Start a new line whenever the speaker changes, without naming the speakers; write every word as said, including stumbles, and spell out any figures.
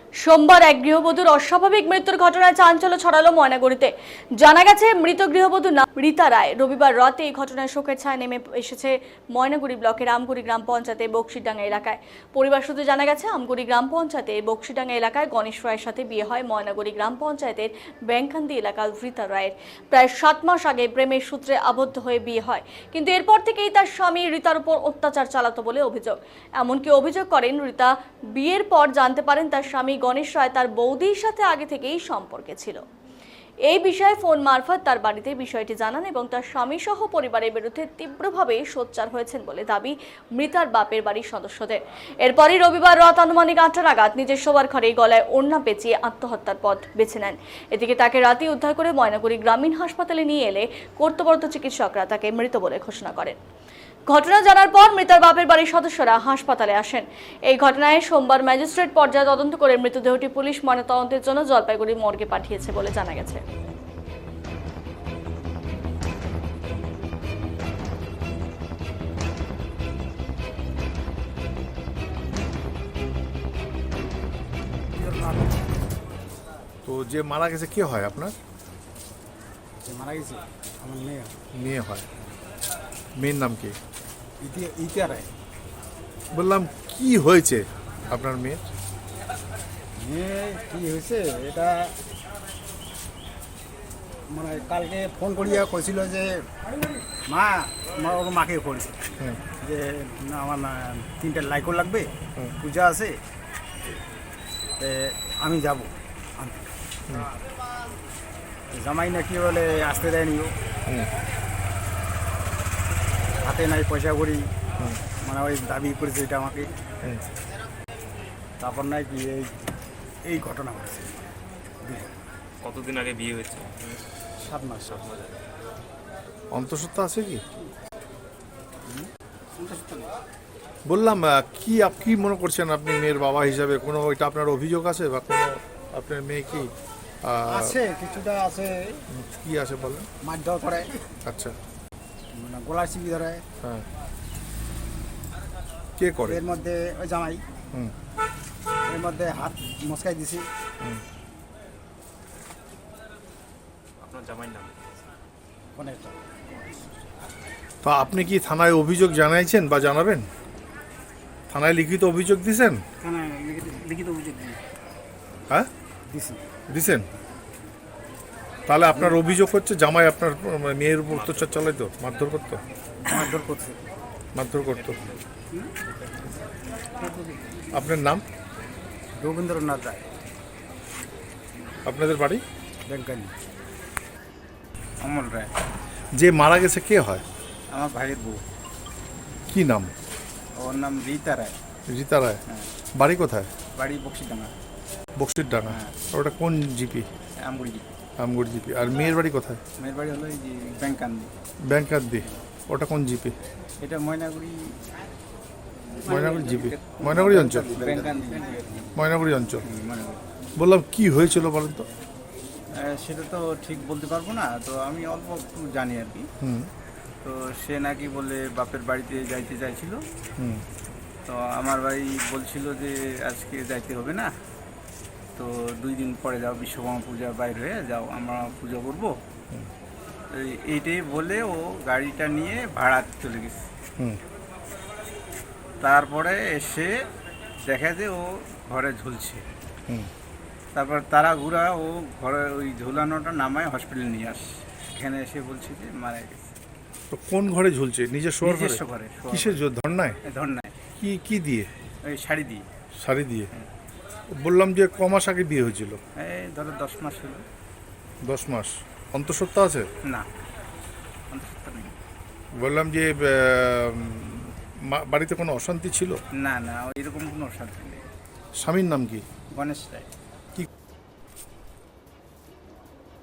সোমবার এক গৃহবধূর অস্বাভাবিক মৃত্যুর ঘটনায় চাঞ্চল্য ছড়ালো ময়নাগুড়িতে। জানা গেছে, মৃত গৃহবধূর নাম রীতা রায়। রবিবার রাতে এই ঘটনায় শোকের ছায়া নেমে এসেছে ময়নাগুড়ি ব্লকের আমগুড়ি গ্রাম পঞ্চায়েতে বক্সিডাঙ্গা এলাকায়। পরিবার সূত্রে জানা গেছে, আমগুড়ি গ্রাম পঞ্চায়েতে বক্সিডাঙ্গা এলাকায় গণেশ রায়ের সাথে বিয়ে হয় ময়নাগুড়ি গ্রাম পঞ্চায়েতের ব্যাংকান্দি এলাকার রীতা রায়ের। প্রায় সাত মাস আগে প্রেমের সূত্রে আবদ্ধ হয়ে বিয়ে হয়, কিন্তু এরপর থেকেই তার স্বামী রীতার উপর অত্যাচার চালাতো বলে অভিযোগ। এমনকি অভিযোগ করেন, রীতা বিয়ের পর জানতে পারেন তার স্বামী গণেশ রায় তার বৌদির সাথে আগে থেকেই সম্পর্কে ছিল। এই বিষয়ে ফোন মারফত তার বাড়িতে বিষয়টি জানান এবং তার স্বামী সহ পরিবারের বিরুদ্ধে তীব্রভাবে সোচ্চার হয়েছেন বলে দাবি মৃতার বাপের বাড়ির সদস্যদের। এরপরই রবিবার রাত আনুমানিক আটটা নাগাদ নিজের শোবার ঘরে গলায় ওড়না পেঁচিয়ে আত্মহত্যার পথ বেছে নেন। এদিকে তাকে রাতেই উদ্ধার করে ময়নাগুড়ি গ্রামীণ হাসপাতালে নিয়ে এলে কর্তব্যরত চিকিৎসকরা তাকে মৃত বলে ঘোষণা করেন। ঘটনা জানার পর মৃতার বাপের বাড়ির সদস্যরা হাসপাতালে আসেন। এই ঘটনায় সোমবার ম্যাজিস্ট্রেট পর্যায়ে তদন্ত করে মৃতদেহটি পুলিশ ময়নাতদন্তের জন্য জলপাইগুড়ি মর্গে পাঠিয়েছে বলে জানা গেছে।
তো যে মারা গেছে কে হয় আপনার?
যে মারা গেছে আমার মেয়ে।
মেয়ে হয়। মেয়ের নাম কি?
ইতিয়া রায়।
বললাম কি হয়েছে আপনার মেয়ের?
মেয়ে কি হয়েছে এটা মানে কালকে ফোন করিয়া কইছিল যে মা আমার ওর মাকে করেছে যে না আমার না তিনটে লাইকও লাগবে, পূজা আছে, আমি যাব আনতে। জামাই নাকি বলে আসতে দেয়নি, ও হাতে নাই পয়সা করি, মানে ওই দাবি করেছে এটা আমাকে। তারপর নাই কি এই এই ঘটনা ঘটছে।
কতদিন আগে বিয়ে হয়েছে?
সাত মাস। সাত মাস
অন্তঃসত্ত্বা আছে কি? বললাম কি আপনি কি মনে করছেন আপনি মেয়ের বাবা হিসাবে? কোনো এটা আপনার অভিযোগ আছে বা কোনো আপনার মেয়ে কি
আছে? কিছুটা আছে।
কি আছে বলেন?
মারধর করে।
আচ্ছা,
মানে গলা চিপি ধরে।
হ্যাঁ, কে করে?
এর মধ্যে ওই জামাই।
হুম।
এর মধ্যে হাত মস্কাই দিছি।
আপনার জামাইয়ের নাম?
অনেকটা।
তো আপনি কি থানায় অভিযোগ জানাইছেন বা জানাবেন? থানায় লিখিত অভিযোগ দিয়েছেন?
থানায় লিখিত অভিযোগ দিই।
হ্যাঁ,
দিছি।
দিছেন? তাহলে আপনার অভিযোগ হচ্ছে জামাই আপনার মেয়ের উপর অত্যাচার চালাইতো, মারধর করতো?
মারধর করছে।
মারধর করতো। আপনার নাম?
রবীন্দ্রনাথ রায়।
আপনাদের বাড়ি?
ব্যাংকানি।
অমল রায়।
যে মারা গেছে কে হয়?
আমার ভাইয়ের বউ।
কি নাম?
ওর নাম রীতা রায়।
রীতা রায়।
হ্যাঁ।
বাড়ি কোথায়?
বাড়ি বক্সিডাঙ্গা।
বক্সির ডাঙ্গা।
হ্যাঁ।
ওটা কোন GP?
Amguri GP.
Amguri GP. আর মেয়ের বাড়ি কোথায়?
মেয়ের বাড়ি হলো এই যে ব্যাংকান্দি।
ব্যাংকান্দি। ওটা কোন জিপি?
এটা ময়নাগুড়ি।
ময়নাগুড়ি জিপি। ময়নাগুড়ি অঞ্চল।
ব্যাংকান্দি।
ময়নাগুড়ি অঞ্চল।
হুম, ময়নাগুড়ি।
বললাম কি হয়েছিল বলেন তো?
আহ, সেটা তো ঠিক বলতে পারবো না, তো আমি অল্প একটু জানি আর কি।
হুম
তো সে নাকি বলে বাপের বাড়িতে যাইতে চাইছিল।
হুম
তো আমার বাড়ি বলছিল যে আজকে যাইতে হবে না, তো দুই দিন পরে যাও, বিশ্বকর্মা পূজা বাইর হয়ে যাও, আমরা পুজো করবো। এই- এইটাই বলে ও গাড়িটা নিয়ে ভাড়া চলে গেছে।
হুম
তারপরে এসে দেখা যে ও ঘরে ঝুলছে।
হুম
তারপর তারা ঘুরা ও ঘরে ওই ঝুলানোটা নামায় হসপিটালে নিয়ে আসে। এখানে এসে বলছে যে মারা গেছে।
তো কোন ঘরে ঝুলছে? নিজের শোয়ার ঘরে?
নিজস্ব ঘরে। শোয়ার
কিসের জন্য? ধর্নায়?
ঘরে। ধর্নায়।
কি কি দিয়ে?
ওই শাড়ি দিয়ে।
শাড়ি দিয়ে? বললাম যে ক মাস আগে বিয়ে হয়েছিল?
এই ধরো দশ মাস হলো।
দশ মাস। অন্তঃসত্ত্বা আছে?
না, অন্তঃসত্ত্বা নেই।
বললাম যে আহ, মা- বাড়িতে কোনো অশান্তি ছিল?
না না, এরকম কোনো অশান্তি নেই।
স্বামীর নাম কি?
গণেশ রায়।